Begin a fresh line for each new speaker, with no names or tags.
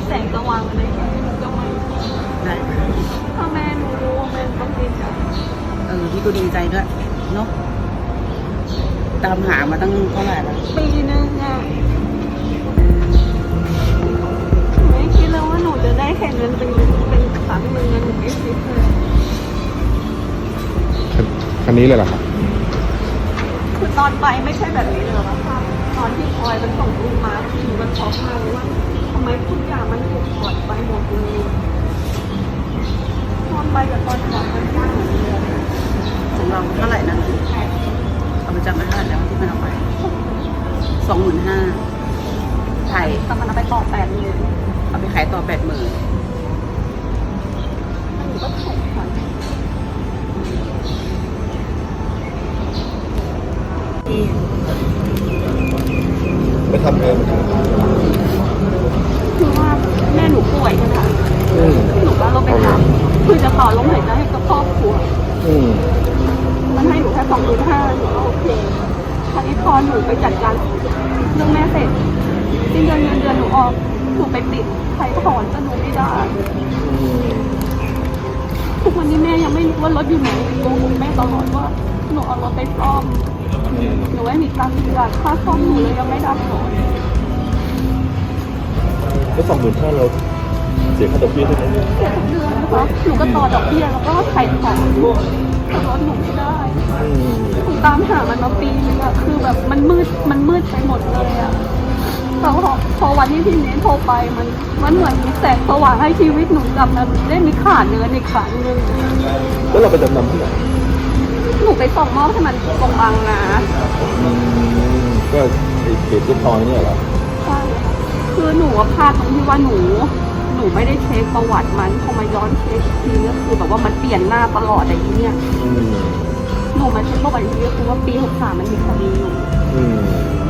แสงสว่างอะไรแค่นี้ก็ไม่
ได้
ถ้าแม่หนูรู้แม่ต้องดีใจ
พี่ก็ดีใจด้วยเนาะตามหามาตั้งเท่าไหร่แล้ว
ปีนึงอ่ะไม่คิดเลยว่าหนูจะได้แข่งเงินเป็นครั้งหนึ่งหนูไม่คิดเลย
คันนี้เลยเหรอครับ
คือตอนไปไม่ใช่แบบนี้เลยหรอคะตอนที่พลอยมันส่งรูปมาคือมันช็อกมากเลยว่าทำไมทุกอย่างมันถูกถอดไปหมดเลยตอนไปกับตอนกลับมันยากเหมือนเดิม
ของเราเท่าไหร่นะเอาไปจำไม่ได้แล้วที่มันเอาไป25,000ไทย
แต่มันเอาไปต่อ80,000
เอาไปขายต่อ80,000
หนูก็ถูกถอน
ไปทำเอง
คือว่าแม่หนูป่วยใช่ไหมคะหนูก็เราไปทำคือจะต่อลมหายใจให้กับครอบครัวมันให้หนูแค่25,000หนูก็โอเคคราวนี้พอหนูไปจัดการเรื่องแม่เสร็จสิ้นเดือนเงินเดือนหนูออกหนูไปติดใครถอนก็หนูไม่ได้ทุกวันนี้แม่ยังไม่รู้ว่ารถอยู่ไหนโกหกแม่ตลอดว่าหนูเอารถไปซ่อมหนูไม่มีตังค์จ่ายค่าซ่อมหนูเลยยังไม่ได้ถอน
ก็25,000เราเสียค่าดอกเบี้ยใช่ไหม
เสียทุกเดือนนะคะหนูก็ต่อดอกเบี้ยแล้วก็ไถ่ถอนแต่รถหนูไม่ได้หนูตามหามันมาปีนึงอะคือแบบมันมืดไปหมดเลยอะแต่พอวันที่พี่เน้นโทรไปมันเหมือนมีแสงสว่างให้ชีวิตหนูกลับมาได้มีขาเนื้อในครั้งนึง
แล้วเราไปจำนำที่ไหน
หนูไปส่งมอบให้มันตรงบางนา
ก็เขตที่ซอยเนี่ยเหรอ
ใช่ค่ะคือหนูว่าพลาดตรงที่ว่าหนูไม่ได้เช็คประวัติมันพอมาย้อนเช็คทีก็คือแบบว่ามันเปลี่ยนหน้าตลอดอย่างนี้เนี่ยหนูมาเช็คประวัติทีก็คือว่าปี63มันมีคดีอยู่